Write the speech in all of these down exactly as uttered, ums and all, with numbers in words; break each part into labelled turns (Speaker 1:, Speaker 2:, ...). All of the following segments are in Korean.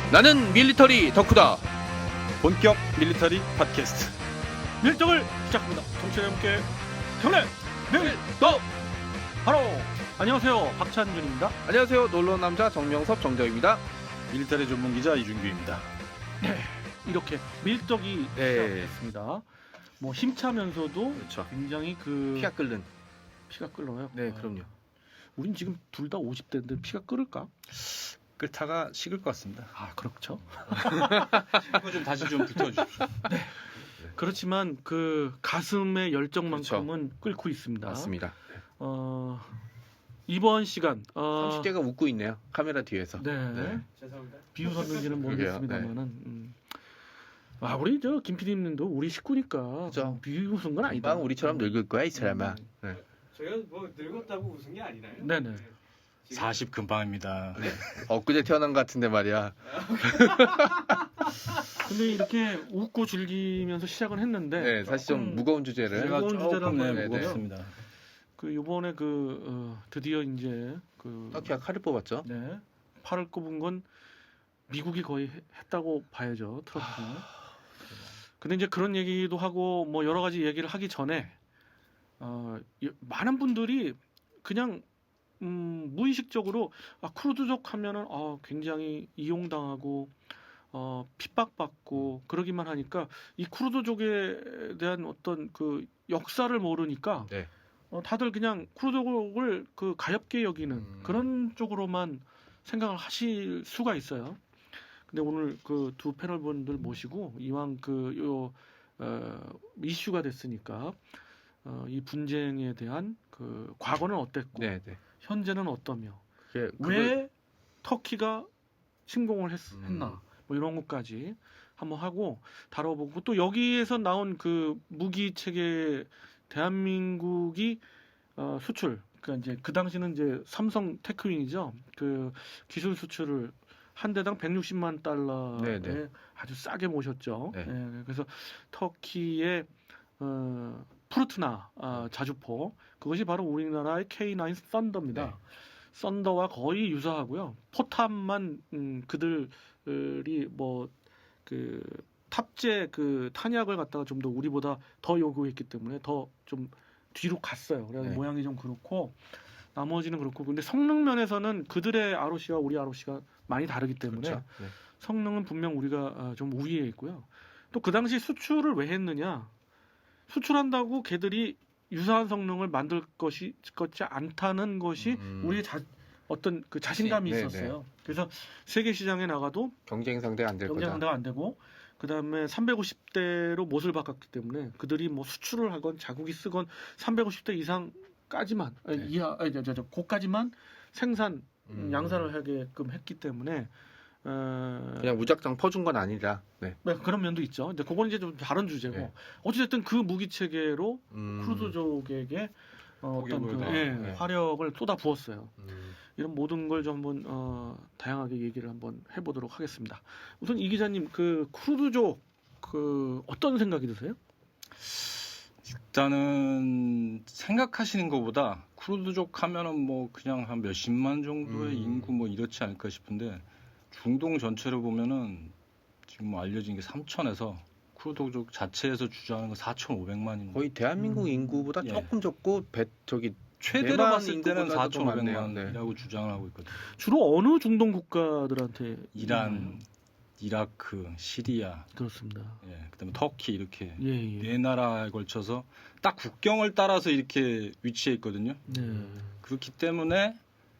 Speaker 1: 나는 밀리터리 덕후다.
Speaker 2: 본격 밀리터리 팟캐스트
Speaker 3: 밀떡을 시작합니다. 정치와 함께 경례 밀떡 바로 안녕하세요, 박찬준입니다.
Speaker 1: 안녕하세요. 놀러온 남자 정명섭 정정입니다.
Speaker 2: 밀리터리 전문 기자 이준규입니다.
Speaker 3: 네, 이렇게 밀떡이
Speaker 1: 네.
Speaker 3: 시작됐습니다. 뭐 힘차면서도
Speaker 1: 그렇죠.
Speaker 3: 굉장히 그
Speaker 1: 피가 끓는.
Speaker 3: 피가 끓어요.
Speaker 1: 네,
Speaker 3: 아,
Speaker 1: 그럼요.
Speaker 3: 우린 지금 둘 다 오십 대인데 피가 끓을까?
Speaker 2: 끓다가 식을 것 같습니다.
Speaker 3: 아, 그렇죠.
Speaker 2: 이거 좀 다시 좀 붙여주십시오.
Speaker 3: 그렇지만 그 가슴의 열정만큼은 끓고 있습니다.
Speaker 1: 맞습니다.
Speaker 3: 어, 이번 시간 어,
Speaker 1: 삼십 대가 웃고 있네요. 카메라 뒤에서.
Speaker 3: 네.
Speaker 1: 네.
Speaker 3: 비웃었는지는
Speaker 1: 그러게요.
Speaker 3: 모르겠습니다만은. 음. 아, 우리 저 김 피디님도 우리 식구니까
Speaker 1: 그죠.
Speaker 3: 비웃은 건 아니다.
Speaker 1: 금방 우리처럼 늙을 거야 이 사람아.
Speaker 3: 음.
Speaker 1: 네.
Speaker 4: 제가 뭐 늙었다고 웃은 게 아니나요?
Speaker 3: 네네.
Speaker 4: 지금
Speaker 2: 사십 금방입니다.
Speaker 1: 네. 엊그제 태어난 것 같은데 말이야.
Speaker 3: 근데 이렇게 웃고 즐기면서 시작을 했는데
Speaker 1: 네, 사실 좀
Speaker 3: 조금
Speaker 1: 무거운 주제를.
Speaker 2: 제가
Speaker 3: 무거운 주제를
Speaker 2: 조금 네,
Speaker 3: 한번
Speaker 2: 무겁습니다.
Speaker 3: 그 이번에 그 어, 드디어 이제 그
Speaker 1: 터키가 칼을 뽑았죠.
Speaker 3: 네, 팔을 꼽은 건 미국이 거의 해- 했다고 봐야죠, 트럼프. 근데 이제 그런 얘기도 하고 뭐 여러 가지 얘기를 하기 전에 어, 이- 많은 분들이 그냥 음, 무의식적으로 아, 쿠르드족 하면은 아, 굉장히 이용당하고 어, 핍박받고 그러기만 하니까 이 쿠르드족에 대한 어떤 그 역사를 모르니까
Speaker 1: 네.
Speaker 3: 어, 다들 그냥 쿠르드족을 그 가엽게 여기는
Speaker 1: 음.
Speaker 3: 그런 쪽으로만 생각을 하실 수가 있어요. 근데 오늘 그 두 패널 분들 모시고 이왕 그요 어, 이슈가 됐으니까 어, 이 분쟁에 대한 그 과거는 어땠고
Speaker 1: 네, 네.
Speaker 3: 현재는 어떠며
Speaker 1: 그게
Speaker 3: 왜 터키가 침공을 했,
Speaker 1: 음.
Speaker 3: 했나 뭐 이런 것까지 한번 하고 다뤄보고 또 여기에서 나온 그 무기 체계 대한민국이 어, 수출 그러니까 이제 그 당시는 이제 삼성 테크윙이죠. 그 기술 수출을 한 대당 백육십만 달러에
Speaker 1: 네네.
Speaker 3: 아주 싸게 모셨죠.
Speaker 1: 네.
Speaker 3: 예, 그래서 터키의 어, 푸르트나 아, 자주포 그것이 바로 우리나라의 케이 나인 썬더입니다.
Speaker 1: 네.
Speaker 3: 썬더와 거의 유사하고요. 포탑만 음, 그들이 뭐 그 탑재 그 탄약을 갖다가 좀 더 우리보다 더 요구했기 때문에 더 좀 뒤로 갔어요. 그래서
Speaker 1: 네.
Speaker 3: 모양이 좀 그렇고 나머지는 그렇고 근데 성능 면에서는 그들의 아로시와 우리 아로시가 많이 다르기 때문에
Speaker 1: 그렇죠. 네.
Speaker 3: 성능은 분명 우리가 아, 좀 우위에 있고요. 또 그 당시 수출을 왜 했느냐? 수출한다고 걔들이 유사한 성능을 만들 것이 것지 않다는 것이
Speaker 1: 음.
Speaker 3: 우리의 자, 어떤 그 자신감이
Speaker 1: 네,
Speaker 3: 있었어요. 그래서 세계 시장에 나가도
Speaker 1: 경쟁 상대가 안 될
Speaker 3: 경쟁
Speaker 1: 거다.
Speaker 3: 상대가 안 되고 그다음에 삼백오십 대로 못을 박았기 때문에 그들이 뭐 수출을 하건 자국이 쓰건 삼백오십 대 이상까지만 아니,
Speaker 1: 네.
Speaker 3: 이하 아니, 저, 저, 저, 고까지만 생산
Speaker 1: 음.
Speaker 3: 양산을 하게끔 했기 때문에 어,
Speaker 1: 그냥 무작정 퍼준 건 아니라. 네.
Speaker 3: 네, 그런 면도 있죠. 근데 그건 이제 좀 다른 주제고
Speaker 1: 네.
Speaker 3: 어찌됐든 그 무기 체계로
Speaker 1: 음.
Speaker 3: 쿠르드족에게 어, 어떤 그,
Speaker 2: 포기를
Speaker 3: 예,
Speaker 2: 다,
Speaker 1: 네.
Speaker 3: 화력을 쏟아 부었어요.
Speaker 1: 음.
Speaker 3: 이런 모든 걸 좀 한번 어, 다양하게 얘기를 한번 해보도록 하겠습니다. 우선 이 기자님 그 쿠르드족 그 어떤 생각이 드세요?
Speaker 2: 일단은 생각하시는 것보다 쿠르드족 하면은 뭐 그냥 한 몇십만 정도의
Speaker 1: 음.
Speaker 2: 인구 뭐 이렇지 않을까 싶은데 중동 전체를 보면은 지금 뭐 알려진 게 삼천에서 쿠르드족 자체에서 주장하는 건 사천오백만인
Speaker 1: 거의 대한민국
Speaker 3: 음.
Speaker 1: 인구보다
Speaker 2: 예.
Speaker 1: 조금 적고 배 저기
Speaker 2: 최대로
Speaker 1: 대만
Speaker 2: 봤을 때는
Speaker 1: 인구보다도 더 많네요.
Speaker 2: 사천오백만이라고 주장을 하고 있거든요.
Speaker 3: 주로 어느 중동 국가들한테
Speaker 2: 이란,
Speaker 3: 있나요?
Speaker 2: 이라크, 시리아,
Speaker 3: 그렇습니다.
Speaker 2: 예, 그다음에 터키 이렇게
Speaker 3: 예, 예.
Speaker 2: 네 나라에 걸쳐서 딱 국경을 따라서 이렇게 위치해 있거든요.
Speaker 3: 네.
Speaker 2: 그렇기 때문에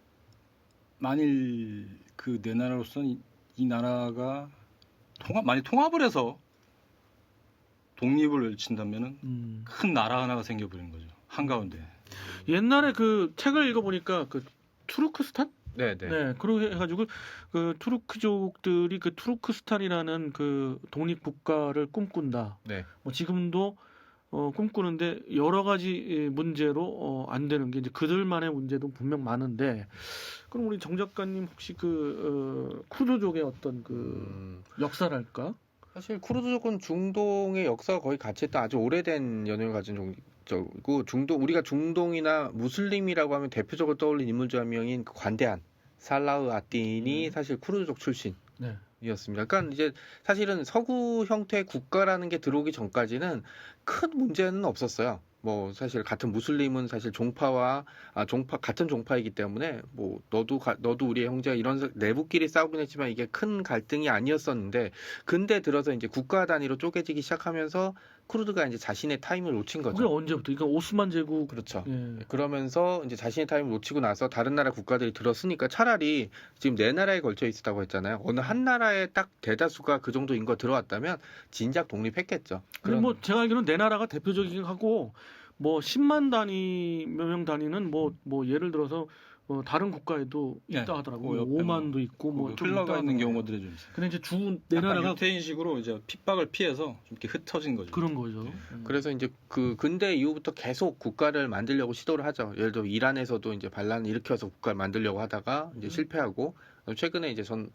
Speaker 2: 만일 그 네 나라로서는 이, 이 나라가 통합 많이 통합을 해서 독립을 외친다면은
Speaker 3: 음.
Speaker 2: 큰 나라 하나가 생겨버리는 거죠. 한가운데.
Speaker 3: 옛날에 그 책을 읽어보니까 그 투르크스탄?
Speaker 1: 네, 네.
Speaker 3: 네, 그렇게 해가지고 그 투르크족들이 그 투르크스탄이라는 그 독립 국가를 꿈꾼다.
Speaker 1: 네.
Speaker 3: 뭐 지금도 어, 꿈꾸는데 여러 가지 예, 문제로 어, 안 되는 게 이제 그들만의 문제도 분명 많은데 그럼 우리 정 작가님 혹시 그 어, 쿠르드족의 어떤 그
Speaker 1: 음.
Speaker 3: 역사랄까?
Speaker 1: 사실 쿠르드족은 중동의 역사가 거의 같이 했던 아주 오래된 연연을 가진 종족이고 중동 우리가 중동이나 무슬림이라고 하면 대표적으로 떠올린 인물 중 한 명인 그 관대한 살라흐 아딘이
Speaker 3: 네.
Speaker 1: 사실 쿠르드족 출신.
Speaker 3: 네.
Speaker 1: 이었습니다. 그러니까 이제 사실은 서구 형태의 국가라는 게 들어오기 전까지는 큰 문제는 없었어요. 뭐 사실 같은 무슬림은 사실 종파와 아 종파 같은 종파이기 때문에 뭐 너도 가- 너도 우리의 형제가 이런 사- 내부끼리 싸우긴 했지만 이게 큰 갈등이 아니었었는데 근데 들어서 이제 국가 단위로 쪼개지기 시작하면서 쿠르드가 이제 자신의 타임을 놓친
Speaker 3: 그게
Speaker 1: 거죠.
Speaker 3: 언제부터? 그러니까 오스만 제국.
Speaker 1: 그렇죠.
Speaker 3: 예.
Speaker 1: 그러면서 이제 자신의 타임을 놓치고 나서 다른 나라 국가들이 들었으니까 차라리 지금 네 나라에 걸쳐 있었다고 했잖아요. 어느 한 나라에 딱 대다수가 그 정도 인구가 들어왔다면 진작 독립했겠죠.
Speaker 3: 근데 뭐 제가 알기로는 내 나라가 대표적이긴 하고 뭐 십만 단위 몇 명 단위는 뭐 뭐 예를 들어서 어 다른 국가에도
Speaker 2: 네,
Speaker 3: 있다 하더라고.
Speaker 2: 그
Speaker 3: 요
Speaker 2: 옆에
Speaker 3: 오만도 있고 뭐
Speaker 2: 그
Speaker 3: 좀
Speaker 2: 흘러가
Speaker 3: 있다
Speaker 2: 있는
Speaker 3: 하더라고요.
Speaker 2: 경우들이 좀 있어요.
Speaker 3: 근데 이제 주 내
Speaker 2: 약간
Speaker 3: 나라가
Speaker 2: 유태인식으로 이제 핍박을 피해서 좀 이렇게 흩어진 거죠.
Speaker 3: 그런 거죠.
Speaker 2: 네.
Speaker 3: 음.
Speaker 1: 그래서 이제 그 근대 이후부터 계속 국가를 만들려고 시도를 하죠. 예를 들어 이란에서도 이제 반란을 일으켜서 국가를 만들려고 하다가 이제 실패하고 최근에 이제 전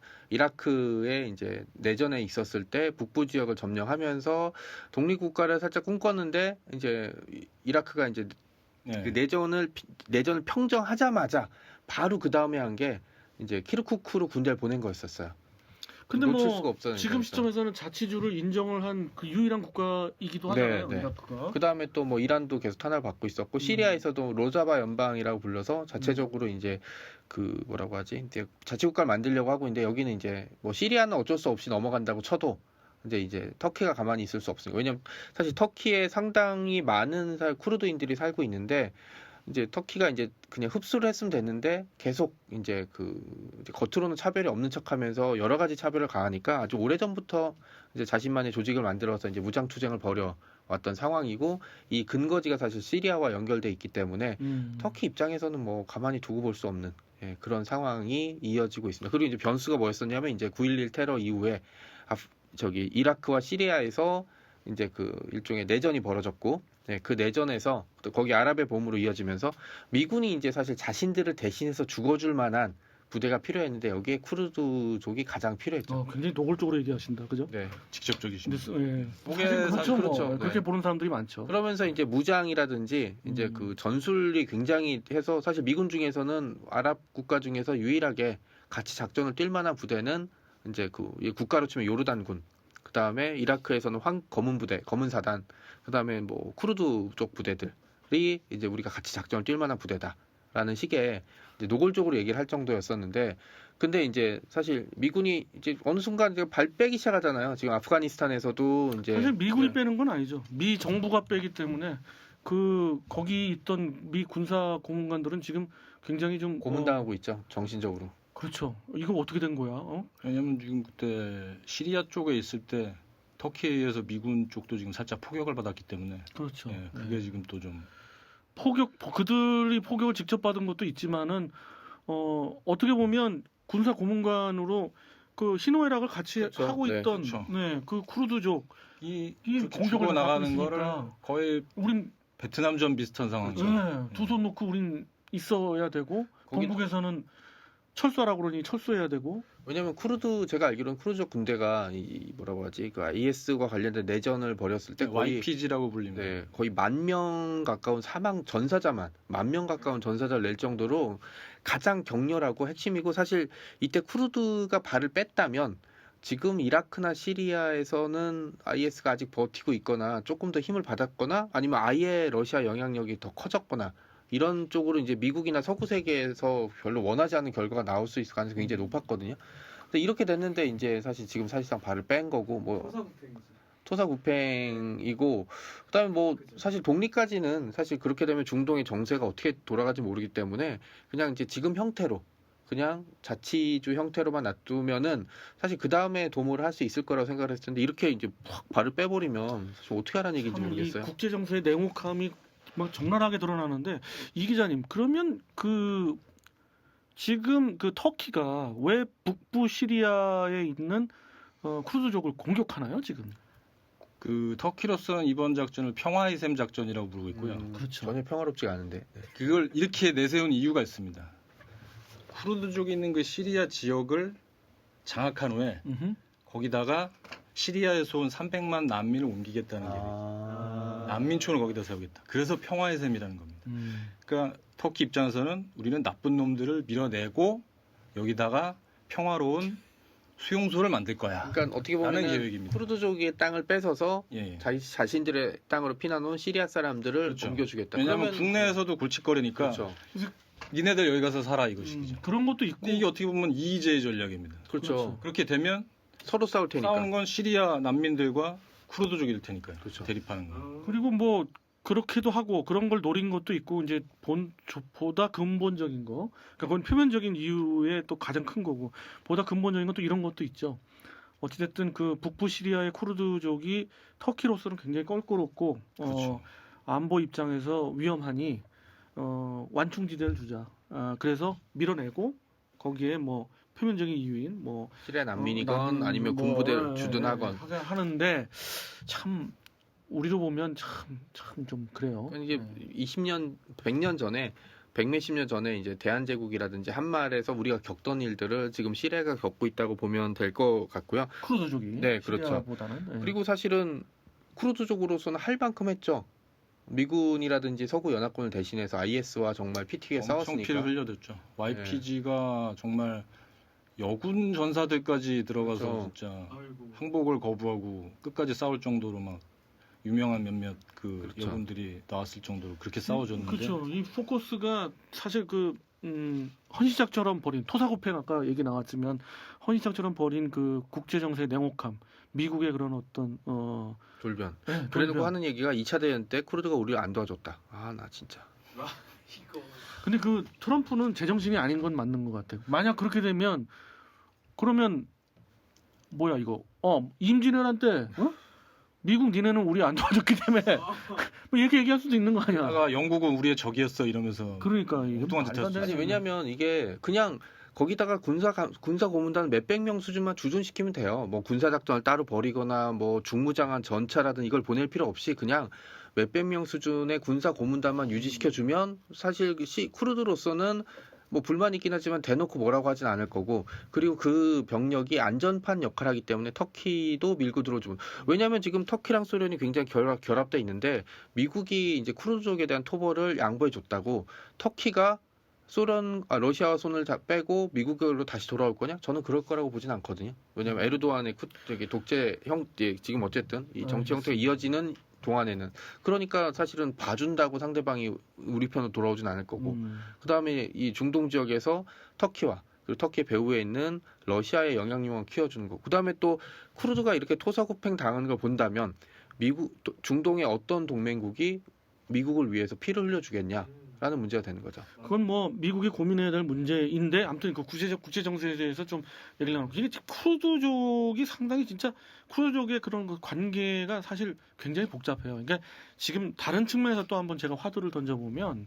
Speaker 1: 이라크에 이제 내전에 있었을 때 북부 지역을 점령하면서 독립국가를 살짝 꿈꿨는데 이제 이- 이라크가 이제
Speaker 2: 네.
Speaker 1: 그 내전을 피- 내전을 평정하자마자 바로 그 다음에 한 게 이제 키르쿠크로 군대를 보낸 거였었어요.
Speaker 3: 근데
Speaker 1: 놓칠
Speaker 3: 뭐
Speaker 1: 수가 없었으니까
Speaker 3: 지금
Speaker 1: 일단.
Speaker 3: 시점에서는 자치주를 인정을 한 그 유일한 국가이기도 하잖아요.
Speaker 1: 네, 네.
Speaker 3: 이라크가.
Speaker 1: 그 다음에 또 뭐 이란도 계속 탄압을 받고 있었고
Speaker 3: 음.
Speaker 1: 시리아에서도 로자바 연방이라고 불러서 자체적으로 이제 그 뭐라고 하지 이제 자치국가를 만들려고 하고 있는데 여기는 이제 뭐 시리아는 어쩔 수 없이 넘어간다고 쳐도 근데 이제 터키가 가만히 있을 수 없으니까 왜냐면 사실 터키에 상당히 많은 살 쿠르드인들이 살고 있는데 이제 터키가 이제 그냥 흡수를 했으면 됐는데 계속 이제 그 이제 겉으로는 차별이 없는 척하면서 여러 가지 차별을 가하니까 아주 오래전부터 이제 자신만의 조직을 만들어서 이제 무장 투쟁을 벌여 왔던 상황이고 이 근거지가 사실 시리아와 연결돼 있기 때문에
Speaker 3: 음.
Speaker 1: 터키 입장에서는 뭐 가만히 두고 볼 수 없는 예, 그런 상황이 이어지고 있습니다. 그리고 이제 변수가 뭐였었냐면 이제 구일일 테러 이후에 아프- 저기 이라크와 시리아에서 이제 그 일종의 내전이 벌어졌고 네, 그 내전에서 또 거기 아랍의 봄으로 이어지면서 미군이 이제 사실 자신들을 대신해서 죽어줄 만한 부대가 필요했는데 여기에 쿠르드족이 가장 필요했죠.
Speaker 3: 어, 굉장히 노골적으로 얘기하신다. 그죠?
Speaker 1: 네.
Speaker 2: 직접적이신
Speaker 3: 근데
Speaker 2: 거죠.
Speaker 3: 예.
Speaker 1: 그게
Speaker 3: 사실
Speaker 1: 사-
Speaker 3: 그렇죠.
Speaker 1: 그렇죠.
Speaker 3: 뭐.
Speaker 1: 네.
Speaker 3: 그렇게 보는 사람들이 많죠.
Speaker 1: 그러면서 이제 무장이라든지 이제
Speaker 3: 음.
Speaker 1: 그 전술이 굉장히 해서 사실 미군 중에서는 아랍 국가 중에서 유일하게 같이 작전을 뛸 만한 부대는 이제 그 이 국가로 치면 요르단군. 그 다음에 이라크에서는 황 검은 부대, 검은 사단. 그 다음에 뭐 쿠르드 쪽 부대들이 이제 우리가 같이 작전을 뛸 만한 부대다라는 식의 이제 노골적으로 얘기를 할 정도였었는데. 근데 이제 사실 미군이 이제 어느 순간 이제 발 빼기 시작하잖아요. 지금 아프가니스탄에서도 이제
Speaker 3: 사실 미군이
Speaker 1: 네.
Speaker 3: 빼는 건 아니죠. 미 정부가 빼기 때문에 그 거기 있던 미 군사 고문관들은 지금 굉장히 좀 어,
Speaker 1: 고문당하고 있죠. 정신적으로.
Speaker 3: 그렇죠. 이거 어떻게 된 거야? 어?
Speaker 2: 왜냐면 지금 그때 시리아 쪽에 있을 때 터키에 의해서 미군 쪽도 지금 살짝 포격을 받았기 때문에
Speaker 3: 그렇죠.
Speaker 2: 예,
Speaker 3: 네.
Speaker 2: 그게 지금 또 좀
Speaker 3: 포격 그들이 포격을 직접 받은 것도 있지만은 어 어떻게 보면 군사 고문관으로 그 희노애락을 같이
Speaker 1: 그렇죠.
Speaker 3: 하고
Speaker 1: 네,
Speaker 3: 있던
Speaker 2: 그렇죠.
Speaker 3: 네, 그 쿠르드족
Speaker 2: 이,
Speaker 3: 이
Speaker 2: 그렇게
Speaker 3: 공격을
Speaker 2: 주고 나가는
Speaker 3: 받고
Speaker 2: 거를
Speaker 3: 있으니까.
Speaker 2: 거의
Speaker 3: 우린
Speaker 2: 베트남전 비슷한 상황이죠.
Speaker 3: 네, 두 손 놓고 우린 있어야 되고
Speaker 1: 거기-
Speaker 3: 동북에서는 철수하라고 그러니 철수해야 되고
Speaker 1: 왜냐면 쿠르드 제가 알기로는 쿠르드족 군대가 이 뭐라고 하지 그 아이에스와 관련된 내전을 벌였을 때 거의
Speaker 2: 와이피지라고 불립니다.
Speaker 1: 네, 거의 만 명 가까운 사망 전사자만 만 명 가까운 전사자를 낼 정도로 가장 격렬하고 핵심이고 사실 이때 쿠르드가 발을 뺐다면 지금 이라크나 시리아에서는 아이에스가 아직 버티고 있거나 조금 더 힘을 받았거나 아니면 아예 러시아 영향력이 더 커졌거나 이런 쪽으로 이제 미국이나 서구 세계에서 별로 원하지 않는 결과가 나올 수 있을 가능성이 굉장히 높았거든요. 근데 이렇게 됐는데 이제 사실 지금 사실상 발을 뺀 거고 뭐
Speaker 4: 토사구팽이지.
Speaker 1: 토사구팽이고 그다음에 뭐 사실 독립까지는 사실 그렇게 되면 중동의 정세가 어떻게 돌아갈지 모르기 때문에 그냥 이제 지금 형태로 그냥 자치주 형태로만 놔두면은 사실 그 다음에 도모를 할 수 있을 거라고 생각을 했을 텐데 이렇게 이제 확 발을 빼버리면 사실 어떻게 하라는 얘기인지
Speaker 3: 참 이
Speaker 1: 모르겠어요.
Speaker 3: 국제 정세의 냉혹함이 막 적나라하게 드러나는데 이 기자님 그러면 그 지금 그 터키가 왜 북부 시리아에 있는 어, 쿠르드족을 공격하나요 지금?
Speaker 2: 그 터키로서는 이번 작전을 평화의 셈 작전이라고 부르고 있고요.
Speaker 1: 음,
Speaker 3: 그렇죠.
Speaker 1: 전혀 평화롭지가 않은데. 네.
Speaker 2: 그걸 이렇게 내세운 이유가 있습니다. 쿠르드족이 있는 그 시리아 지역을 장악한 후에
Speaker 3: 음흠.
Speaker 2: 거기다가 시리아에서 온 삼백만 난민을 옮기겠다는 계획.
Speaker 1: 아...
Speaker 2: 난민촌을 거기다 세우겠다. 그래서 평화의 셈이라는 겁니다.
Speaker 3: 음.
Speaker 2: 그러니까 터키 입장에서는 우리는 나쁜 놈들을 밀어내고 여기다가 평화로운 수용소를 만들 거야.
Speaker 1: 그러니까 어떻게
Speaker 2: 라는
Speaker 1: 보면
Speaker 2: 계획입니다.
Speaker 1: 쿠르드족의 땅을 뺏어서
Speaker 2: 예, 예.
Speaker 1: 자기 자신들의 땅으로 피난온 시리아 사람들을
Speaker 2: 그렇죠.
Speaker 1: 옮겨주겠다.
Speaker 2: 왜냐하면
Speaker 1: 그러면-
Speaker 2: 국내에서도 골칫거리니까
Speaker 1: 그렇죠.
Speaker 2: 니네들 여기 가서 살아 이것이죠.
Speaker 3: 음, 그런 것도 있고
Speaker 2: 근데 이게 어떻게 보면 이의제의 전략입니다.
Speaker 1: 그렇죠.
Speaker 3: 그렇죠.
Speaker 2: 그렇게 되면
Speaker 1: 서로 싸울 테니까.
Speaker 2: 싸우는 건 시리아 난민들과 쿠르드족일 테니까요.
Speaker 1: 그렇죠.
Speaker 2: 대립하는 건.
Speaker 4: 어,
Speaker 3: 그리고 뭐 그렇게도 하고 그런 걸 노린 것도 있고 이제 본 조- 보다 근본적인 거, 그러니까 그건 표면적인 이유의 또 가장 큰 거고 보다 근본적인 건 또 이런 것도 있죠. 어찌됐든 그 북부 시리아의 쿠르드족이 터키로서는 굉장히 껄끄럽고
Speaker 2: 그렇죠.
Speaker 3: 어, 안보 입장에서 위험하니 어, 완충지대를 주자. 아, 그래서 밀어내고 거기에 뭐 표면적인 이유인 뭐
Speaker 1: 시리아 난민이건
Speaker 3: 어, 난민,
Speaker 1: 아니면
Speaker 3: 뭐,
Speaker 1: 군부대를
Speaker 3: 예,
Speaker 1: 주든
Speaker 3: 예,
Speaker 1: 하건.
Speaker 3: 하게 하는데 참 우리로 보면 참 참 좀 그래요.
Speaker 1: 그러니까 이게
Speaker 3: 네.
Speaker 1: 이십 년, 백 년 전에 백몇십 년 전에 이제 대한제국이라든지 한말에서 우리가 겪던 일들을 지금 시리아가 겪고 있다고 보면 될 것 같고요.
Speaker 3: 쿠르드족이
Speaker 1: 네, 그렇죠.
Speaker 3: 시리아보다는 네.
Speaker 1: 그리고 사실은 쿠르드족으로서는 할 만큼 했죠. 미군이라든지 서구 연합군을 대신해서 아이에스와 정말 피 튀게
Speaker 2: 엄청
Speaker 1: 싸웠으니까.
Speaker 2: 피를 흘려댔죠. 와이피지가 정말 여군 전사들까지 들어가서
Speaker 1: 그렇죠.
Speaker 2: 진짜
Speaker 4: 아이고.
Speaker 2: 항복을 거부하고 끝까지 싸울 정도로 막 유명한 몇몇 그
Speaker 1: 그렇죠.
Speaker 2: 여군들이 나왔을 정도로 그렇게 싸워줬는데
Speaker 3: 그렇죠. 이 포커스가 사실 그 음, 헌시작처럼 벌인 토사구팽 아까 얘기 나왔지만 헌시작처럼 벌인 그 국제 정세의 냉혹함, 미국의 그런 어떤 어
Speaker 1: 돌변.
Speaker 3: 네,
Speaker 1: 그래놓고
Speaker 3: 돌변.
Speaker 1: 하는 얘기가 이 차 대전 때 쿠르드가 우리를 안 도와줬다. 아, 나 진짜.
Speaker 4: 이거
Speaker 3: 근데 그 트럼프는 제정신이 아닌 건 맞는 것 같아요. 만약 그렇게 되면 그러면 뭐야 이거? 어 임진왜란 때 어? 미국 니네는 우리 안 도와줬기 때문에 뭐 이렇게 얘기할 수도 있는 거 아니야?
Speaker 2: 하다가 영국은 우리의 적이었어 이러면서
Speaker 3: 그러니까 이게
Speaker 2: 엉뚱한
Speaker 3: 말도
Speaker 2: 짓
Speaker 3: 안
Speaker 2: 했죠.
Speaker 3: 되는
Speaker 1: 아니
Speaker 3: 소리야.
Speaker 1: 왜냐면 이게 그냥 거기다가 군사 가- 군사 고문단 몇백 명 수준만 주둔시키면 돼요. 뭐 군사 작전을 따로 벌이거나 뭐 중무장한 전차라든 이걸 보낼 필요 없이 그냥 몇백 명 수준의 군사 고문단만 유지시켜 주면 사실 그 시, 쿠르드로서는 뭐 불만 있긴 하지만 대놓고 뭐라고 하진 않을 거고 그리고 그 병력이 안전판 역할을 하기 때문에 터키도 밀고 들어주고 왜냐하면 지금 터키랑 소련이 굉장히 결합, 결합돼 있는데 미국이 이제 쿠르드족에 대한 토벌을 양보해 줬다고 터키가 소련, 아, 러시아와 손을 다 빼고 미국으로 다시 돌아올 거냐? 저는 그럴 거라고 보진 않거든요. 왜냐하면 에르도안의 쿠, 저기 독재 형, 예, 지금 어쨌든 이 정치 형태가 이어지는 동안에는 그러니까 사실은 봐준다고 상대방이 우리 편으로 돌아오진 않을 거고
Speaker 3: 음.
Speaker 1: 그 다음에 이 중동 지역에서 터키와 그리고 터키 배후에 있는 러시아의 영향력을 키워주는 거. 그 다음에 또 쿠르드가 이렇게 토사구팽 당하는 걸 본다면 미국 또 중동의 어떤 동맹국이 미국을 위해서 피를 흘려주겠냐라는 문제가 되는 거죠.
Speaker 3: 그건 뭐 미국이 고민해야 될 문제인데 아무튼 그 구체적 국제 정세에 대해서 좀 얘기를 나누고 이게 쿠르드족이 상당히 진짜 쿠르드족의 그런 그 관계가 사실 굉장히 복잡해요. 그러니까 지금 다른 측면에서 또 한번 제가 화두를 던져보면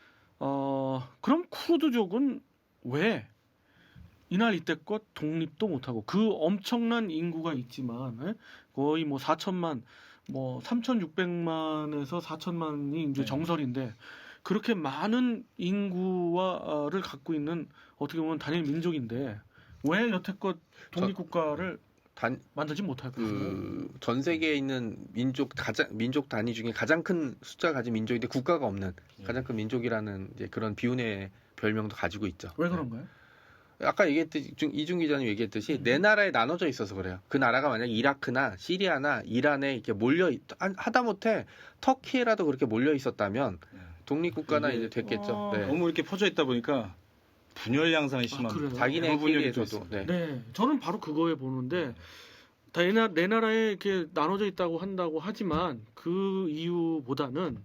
Speaker 3: 어 그럼 쿠르드족은 왜 이날 이때껏 독립도 못하고 그 엄청난 인구가 있지만 에? 거의 뭐 사천만 뭐 삼천육백만에서 사천만이 이제
Speaker 2: 네.
Speaker 3: 정설인데 그렇게 많은 인구와를 갖고 있는 어떻게 보면 단일 민족인데 왜 여태껏 독립국가를
Speaker 1: 단,
Speaker 3: 만들지 못할까?
Speaker 1: 그 전 세계에 있는 민족 가장 민족 단위 중에 가장 큰 숫자 가진 민족인데 국가가 없는
Speaker 2: 예.
Speaker 1: 가장 큰 민족이라는 이제 그런 비운의 별명도 가지고 있죠.
Speaker 3: 왜 그런가요?
Speaker 1: 아까 얘기했듯이 중- 이중 기자님 얘기했듯이 네 나라에 나눠져 있어서 그래요. 그 나라가 만약 이라크나 시리아나 이란에 이렇게 몰려 있, 한- 하다못해 터키에라도 그렇게 몰려 있었다면
Speaker 2: 네.
Speaker 1: 독립국가나
Speaker 2: 이게-
Speaker 1: 이제 됐겠죠.
Speaker 3: 어,
Speaker 1: 네.
Speaker 2: 너무 이렇게 퍼져 있다 보니까 분열 양상이 심합니다.
Speaker 3: 그래요?
Speaker 1: 자기네끼리에서도
Speaker 2: 있습니다.
Speaker 1: 네.
Speaker 3: 네, 저는 바로 그거에 보는데 다 내, 나, 내 나라에 이렇게 나눠져 있다고 한다고 하지만 그 이유보다는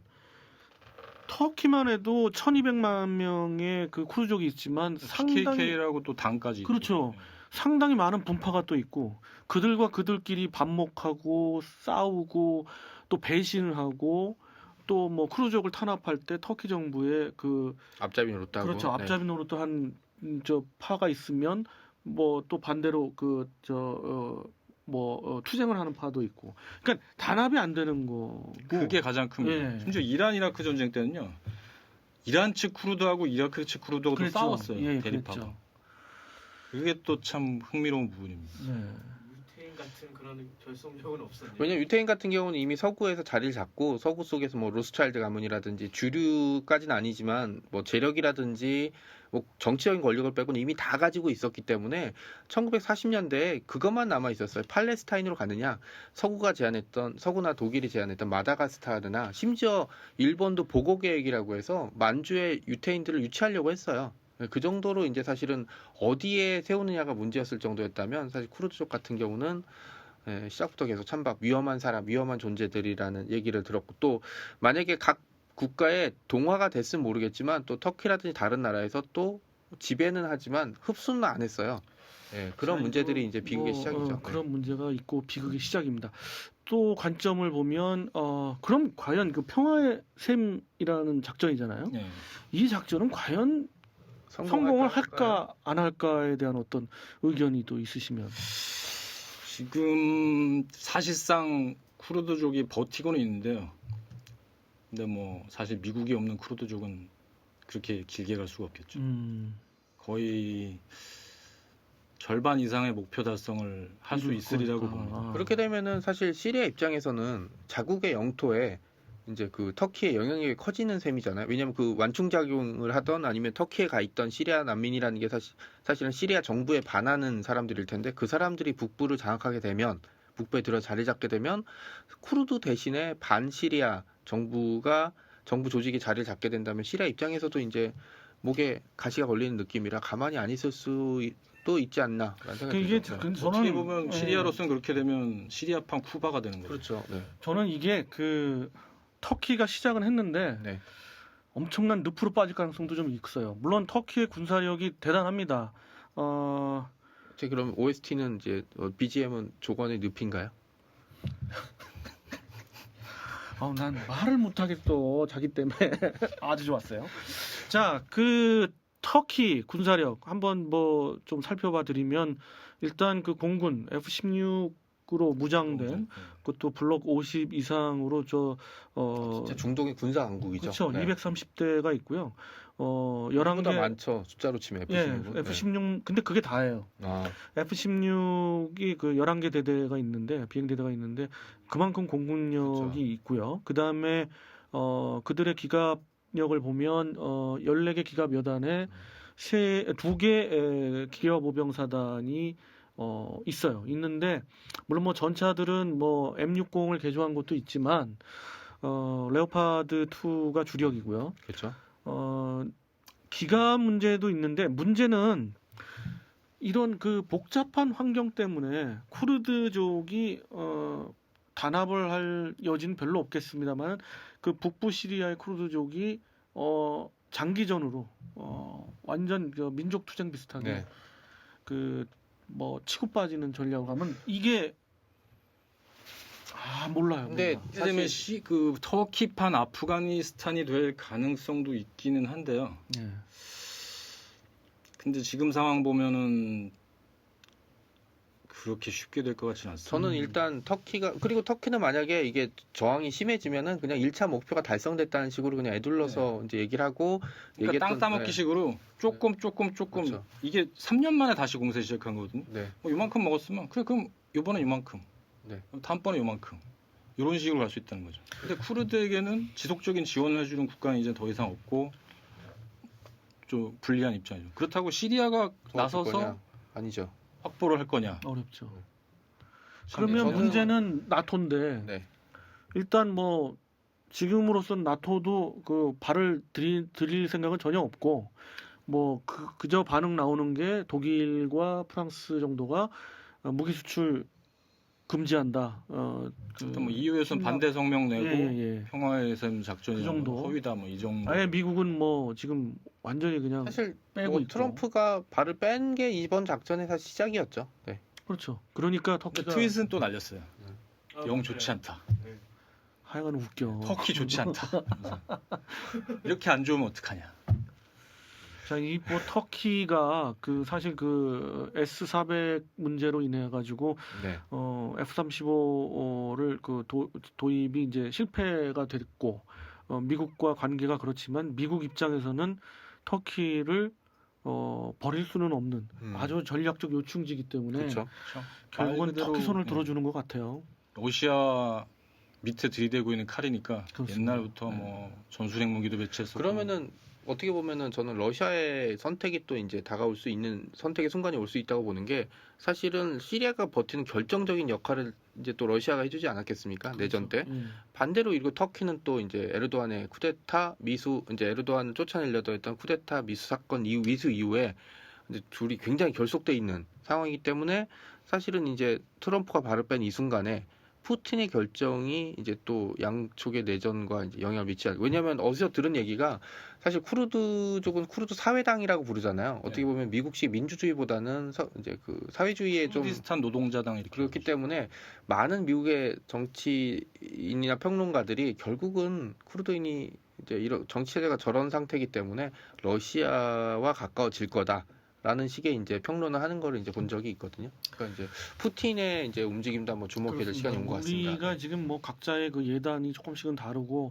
Speaker 3: 터키만 해도 천이백만 명의 그 쿠르족이 있지만 상당히
Speaker 2: 피케이케이라고 또 당까지
Speaker 3: 그렇죠.
Speaker 2: 있고.
Speaker 3: 상당히 많은 분파가 또 있고 그들과 그들끼리 반목하고 싸우고 또 배신을 하고 또 뭐 쿠르족을 탄압할 때 터키 정부의 그
Speaker 1: 앞잡이 노릇하고
Speaker 3: 그렇죠.
Speaker 1: 네.
Speaker 3: 앞잡이 노릇도 한 저 파가 있으면 뭐 또 반대로 그 저 뭐 어, 투쟁을 하는 파도 있고. 그러니까 단합이 안 되는 거고.
Speaker 2: 그게 가장 큽니다.
Speaker 3: 예.
Speaker 2: 심지어 이란 이라크 전쟁 때는요. 이란 측 쿠르드하고 이라크 측 쿠르드하고 또
Speaker 3: 그랬죠.
Speaker 2: 싸웠어요.
Speaker 3: 예,
Speaker 2: 대립하고.
Speaker 3: 그랬죠.
Speaker 2: 그게 또 참 흥미로운 부분입니다.
Speaker 3: 네.
Speaker 4: 유태인 같은 같은 그런 결속력은 없었네요.
Speaker 1: 왜냐면 유태인 같은 경우는 이미 서구에서 자리를 잡고 서구 속에서 뭐 로스차일드 가문이라든지 주류까지는 아니지만 뭐 재력이라든지 뭐 정치적인 권력을 빼고는 이미 다 가지고 있었기 때문에 천구백사십 년대에 그것만 남아 있었어요. 팔레스타인으로 가느냐, 서구가 제안했던 서구나 독일이 제안했던 마다가스카르나 심지어 일본도 보고 계획이라고 해서 만주에 유태인들을 유치하려고 했어요. 그 정도로 이제 사실은 어디에 세우느냐가 문제였을 정도였다면 사실 쿠르드족 같은 경우는 예, 시작부터 계속 찬밥, 위험한 사람, 위험한 존재들이라는 얘기를 들었고 또 만약에 각 국가에 동화가 됐으면 모르겠지만 또 터키라든지 다른 나라에서 또 지배는 하지만 흡수는 안 했어요. 예, 그런
Speaker 3: 자,
Speaker 1: 문제들이
Speaker 3: 이거
Speaker 1: 이제 비극의
Speaker 3: 뭐,
Speaker 1: 시작이죠.
Speaker 3: 어, 그런 문제가 있고 비극의 시작입니다. 또 관점을 보면 어, 그럼 과연 그 평화의 샘이라는 작전이잖아요.
Speaker 2: 예.
Speaker 3: 이 작전은 과연
Speaker 1: 네.
Speaker 3: 성공을
Speaker 1: 할까요?
Speaker 3: 할까 안 할까에 대한 어떤 의견이 또 있으시면.
Speaker 2: 지금 사실상 쿠르드족이 버티고는 있는데요. 근데 뭐 사실 미국이 없는 쿠르드족은 그렇게 길게 갈 수가 없겠죠.
Speaker 3: 음,
Speaker 2: 거의 절반 이상의 목표 달성을 할 수
Speaker 3: 이룰
Speaker 2: 있으리라고
Speaker 3: 거니까.
Speaker 2: 봅니다.
Speaker 3: 아.
Speaker 1: 그렇게 되면은 사실 시리아 입장에서는 자국의 영토에 이제 그 터키의 영향력이 커지는 셈이잖아요. 왜냐하면 그 완충작용을 하던 아니면 터키에 가 있던 시리아 난민이라는 게 사실 사실은 시리아 정부에 반하는 사람들일 텐데 그 사람들이 북부를 장악하게 되면 북부에 들어 자리 잡게 되면 쿠르드 대신에 반시리아 정부가 정부 조직이 자리를 잡게 된다면 시리아 입장에서도 이제 목에 가시가 걸리는 느낌이라 가만히 안 있을 수도 있지 않나라는
Speaker 3: 그
Speaker 1: 생각이
Speaker 3: 이게
Speaker 1: 들죠.
Speaker 3: 그
Speaker 2: 어떻게
Speaker 3: 저는
Speaker 2: 보면
Speaker 3: 예,
Speaker 2: 시리아로서는 그렇게 되면 시리아판 쿠바가 되는 거죠.
Speaker 1: 그렇죠. 네.
Speaker 3: 저는 이게 그 터키가 시작은 했는데
Speaker 1: 네.
Speaker 3: 엄청난 늪으로 빠질 가능성도 좀 있어요. 물론 터키의 군사력이 대단합니다. 어,
Speaker 1: 제 그럼 오에스티는 이제 비지엠은 조건의 늪인가요?
Speaker 3: 어, 난 말을 못하겠어. 자기 때문에. 아주 좋았어요. 자, 그 터키 군사력 한번 뭐 좀 살펴봐 드리면 일단 그 공군 에프 십육으로 무장된 그것도 블록 오십 이상으로 저 어,
Speaker 1: 진짜 중동의 군사 강국이죠.
Speaker 3: 그렇죠.
Speaker 1: 네.
Speaker 3: 이백삼십 대가 있고요. 어, 열한
Speaker 1: 보다
Speaker 3: 개
Speaker 1: 많죠. 숫자로 치면 에프
Speaker 3: 예,
Speaker 1: 십육은.
Speaker 3: 에프 십육 근데 그게 다예요.
Speaker 1: 아,
Speaker 3: 에프 십육이 그 열한 개 대대가 있는데 비행 대대가 있는데 그만큼 공군력이
Speaker 1: 그렇죠.
Speaker 3: 있고요. 그다음에 어 그들의 기갑력을 보면 어 열네 개 기갑 여단에 세두개 기갑 모병사단이 어 있어요. 있는데 물론 뭐 전차들은 뭐 엠 육십을 개조한 것도 있지만 어 레오파드 이가 주력이고요.
Speaker 1: 그렇죠.
Speaker 3: 어 기갑 문제도 있는데 문제는 이런 그 복잡한 환경 때문에 쿠르드족이 어, 단합을 할 여지는 별로 없겠습니다만 그 북부 시리아의 쿠르드족이 어, 장기전으로 어, 완전 그 민족 투쟁 비슷하게
Speaker 1: 네.
Speaker 3: 그 뭐 치고 빠지는 전략을 하면 이게 아 몰라요.
Speaker 1: 근데
Speaker 3: 몰라.
Speaker 2: 이렇게 되면 시, 그 터키판 아프가니스탄이 될 가능성도 있기는 한데요.
Speaker 3: 네.
Speaker 2: 근데 지금 상황 보면은 그렇게 쉽게 될 것 같지는 않습니다.
Speaker 1: 저는 일단 터키가 그리고 터키는 만약에 이게 저항이 심해지면은 그냥 일 차 목표가 달성됐다는 식으로 그냥 애둘러서 이제 얘기를 하고
Speaker 2: 그러니까 땅
Speaker 1: 얘기했던-
Speaker 2: 따먹기식으로 조금 조금 조금
Speaker 1: 그렇죠.
Speaker 2: 이게 삼 년 만에 다시 공세 시작한 거거든요.
Speaker 1: 네. 네.
Speaker 2: 뭐 이만큼 먹었으면 그래 그럼 이번에 이만큼,
Speaker 1: 네.
Speaker 2: 그럼 다음번에 이만큼 이런 식으로 갈 수 있다는 거죠. 근데 쿠르드에게는 지속적인 지원을 해주는 국가는 이제 더 이상 없고 좀 불리한 입장이죠. 그렇다고 시리아가
Speaker 1: 도와줄
Speaker 2: 나서서
Speaker 1: 거냐? 아니죠.
Speaker 2: 확보를 할 거냐?
Speaker 3: 어렵죠.
Speaker 2: 참,
Speaker 3: 그러면
Speaker 1: 저는-
Speaker 3: 문제는 나토인데
Speaker 1: 네.
Speaker 3: 일단 뭐 지금으로선 나토도 그 발을 들일, 들일 생각은 전혀 없고 뭐 그, 그저 반응 나오는 게 독일과 프랑스 정도가 어, 무기 수출 금지한다. 어, 그,
Speaker 2: 일단 뭐 이유에서는
Speaker 3: 심각-
Speaker 2: 반대 성명 내고
Speaker 3: 예, 예, 예.
Speaker 2: 평화의 셈 작전이
Speaker 3: 그 정도.
Speaker 2: 허위다 뭐 이 정도.
Speaker 3: 아예 미국은 뭐 지금 완전히 그냥
Speaker 1: 사실
Speaker 3: 빼고
Speaker 1: 뭐
Speaker 3: 있고.
Speaker 1: 트럼프가 발을 뺀 게 이번 작전의 사실 시작이었죠. 네.
Speaker 3: 그렇죠. 그러니까
Speaker 2: 근데
Speaker 3: 터키가
Speaker 2: 트윗은 또 날렸어요.
Speaker 4: 아,
Speaker 2: 영
Speaker 4: 맞아요.
Speaker 2: 좋지 않다.
Speaker 3: 하여간 웃겨.
Speaker 2: 터키 좋지 않다. 그래서 이렇게 안 좋으면 어떡하냐.
Speaker 3: 자, 이 뭐 터키가 그 사실 그 에스 사백 문제로 인해 가지고
Speaker 1: 네.
Speaker 3: 어 에프 삼십오를 그 도, 도입이 이제 실패가 됐고 어, 미국과 관계가 그렇지만 미국 입장에서는 터키를 어, 버릴 수는 없는
Speaker 1: 음.
Speaker 3: 아주 전략적 요충지이기 때문에
Speaker 1: 그렇죠.
Speaker 2: 그렇죠.
Speaker 3: 결국은
Speaker 2: 말 그대로,
Speaker 3: 터키 손을
Speaker 2: 음,
Speaker 3: 들어주는 것 같아요.
Speaker 2: 러시아 밑에 들이대고 있는 칼이니까
Speaker 3: 그렇습니다.
Speaker 2: 옛날부터 뭐 전술핵 무기도 배치했었고
Speaker 1: 그러면은 어떻게 보면은 저는 러시아의 선택이 또 이제 다가올 수 있는 선택의 순간이 올 수 있다고 보는 게 사실은 시리아가 버티는 결정적인 역할을 이제 또 러시아가 해주지 않았겠습니까? 내전 때.
Speaker 3: 예.
Speaker 1: 반대로 이거 터키는 또 이제 에르도안의 쿠데타 미수 이제 에르도안을 쫓아내려던 했던 쿠데타 미수 사건 이후 미수 이후에 이제 둘이 굉장히 결속돼 있는 상황이기 때문에 사실은 이제 트럼프가 발을 뺀 이 순간에 푸틴의 결정이 이제 또 양쪽의 내전과 이제 영향을 미치지 않. 왜냐하면 어디서 들은 얘기가 사실 쿠르드족은 쿠르드 사회당이라고 부르잖아요. 어떻게 보면 미국식 민주주의보다는 서, 이제 그 사회주의에 좀
Speaker 2: 쿠르디스탄 노동자당 이렇게
Speaker 1: 그렇기 때문에 많은 미국의 정치인이나 평론가들이 결국은 쿠르드인이 이제 이런 정치 체제가 저런 상태이기 때문에 러시아와 가까워질 거다라는 식의 이제 평론을 하는 거를 이제 본 적이 있거든요. 그러니까 이제 푸틴의 이제 움직임도 한번 주목해야 될 시간이 온 것 같습니다.
Speaker 3: 우리가 지금 뭐 각자의 그 예단이 조금씩은 다르고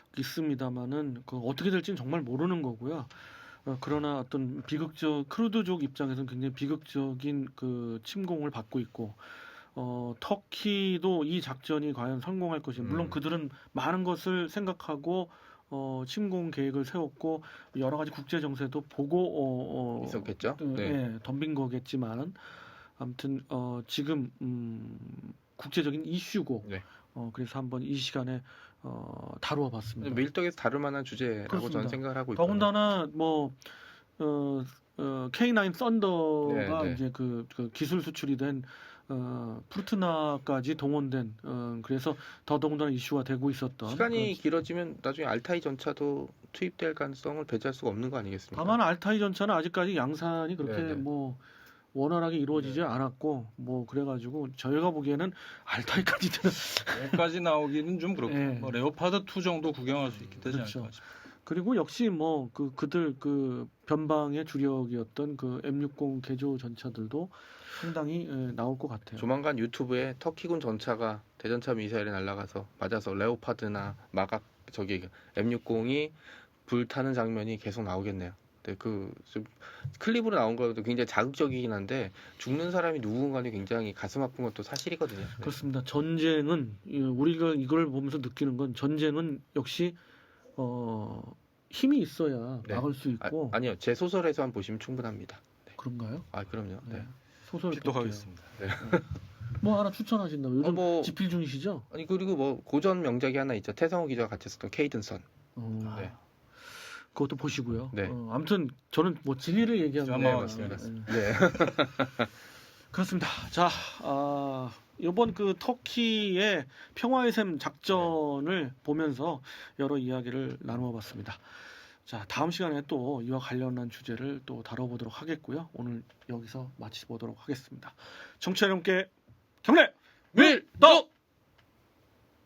Speaker 3: 있습니다만은 그 어떻게 될지는 정말 모르는 거고요. 어, 그러나 어떤 비극적 크루드족 입장에서는 굉장히 비극적인 그 침공을 받고 있고 어, 터키도 이 작전이 과연 성공할 것이 물론
Speaker 1: 음.
Speaker 3: 그들은 많은 것을 생각하고 어, 침공 계획을 세웠고 여러 가지 국제 정세도 보고 어, 어,
Speaker 1: 있었겠죠?
Speaker 3: 어,
Speaker 1: 네.
Speaker 3: 예, 덤빈 거겠지만 아무튼 어, 지금 음, 국제적인 이슈고
Speaker 1: 네.
Speaker 3: 어, 그래서 한번 이 시간에 어, 다루어 봤습니다.
Speaker 1: 밀떡에서 다룰 만한 주제라고
Speaker 3: 그렇습니다.
Speaker 1: 저는 생각을 하고 있거든요.
Speaker 3: 더군다나 뭐 어, 어, 케이 나인 썬더가
Speaker 1: 네, 네.
Speaker 3: 이제 그, 그 기술 수출이 된 어, 프루트나까지 동원된 어, 그래서 더더군다나 이슈가 되고 있었던
Speaker 1: 시간이
Speaker 3: 그런-
Speaker 1: 길어지면 나중에 알타이 전차도 투입될 가능성을 배제할 수가 없는 거 아니겠습니까?
Speaker 3: 다만 알타이 전차는 아직까지 양산이 그렇게
Speaker 1: 네네.
Speaker 3: 뭐 원활하게 이루어지지 않았고 뭐 그래가지고 저희가 보기에는 알타이까지 되는
Speaker 2: 여기까지 나오기는 좀 그렇고
Speaker 3: 예.
Speaker 2: 뭐 레오파드 투 정도 구경할 수 있게 되지
Speaker 3: 그렇죠.
Speaker 2: 않을까 싶어요.
Speaker 3: 그리고 역시 뭐 그 그들 그 변방의 주력이었던 그 엠 육십 개조 전차들도 상당히 예, 나올 것 같아요.
Speaker 1: 조만간 유튜브에 터키군 전차가 대전차 미사일에 날아가서 맞아서 레오파드나 마각 저기 엠 육십이 불타는 장면이 계속 나오겠네요. 네, 그 좀 클립으로 나온 것도 굉장히 자극적이긴 한데 죽는 사람이 누군가는 굉장히 가슴 아픈 것도 사실이거든요. 네.
Speaker 3: 그렇습니다. 전쟁은 예, 우리가 이걸 보면서 느끼는 건 전쟁은 역시 어, 힘이 있어야
Speaker 1: 네.
Speaker 3: 막을 수
Speaker 1: 아,
Speaker 3: 있고
Speaker 1: 아니요, 제 소설에서만 보시면 충분합니다.
Speaker 3: 그런가요?
Speaker 1: 아 그럼요. 네.
Speaker 3: 네. 소설
Speaker 2: 픽독하겠습니다.
Speaker 3: 뭐 하나 추천하신다고 요즘
Speaker 1: 어, 뭐-
Speaker 3: 집필 중이시죠?
Speaker 1: 아니 그리고 뭐 고전 명작이 하나 있죠. 태성호 기자가 같이 썼던 케이든선.
Speaker 3: 어,
Speaker 1: 네.
Speaker 3: 그것도 보시고요.
Speaker 1: 네.
Speaker 3: 어, 아무튼 저는 뭐 진리를 얘기하는
Speaker 2: 네,
Speaker 3: 거예요.
Speaker 2: 맞습니다.
Speaker 3: 예.
Speaker 1: 네.
Speaker 3: 그렇습니다. 자, 아, 이번 그 터키의 평화의 샘 작전을 보면서 여러 이야기를 나누어 봤습니다. 자, 다음 시간에 또 이와 관련한 주제를 또 다뤄보도록 하겠고요. 오늘 여기서 마치보도록 하겠습니다. 청취자 여러분께 경례 밀떡!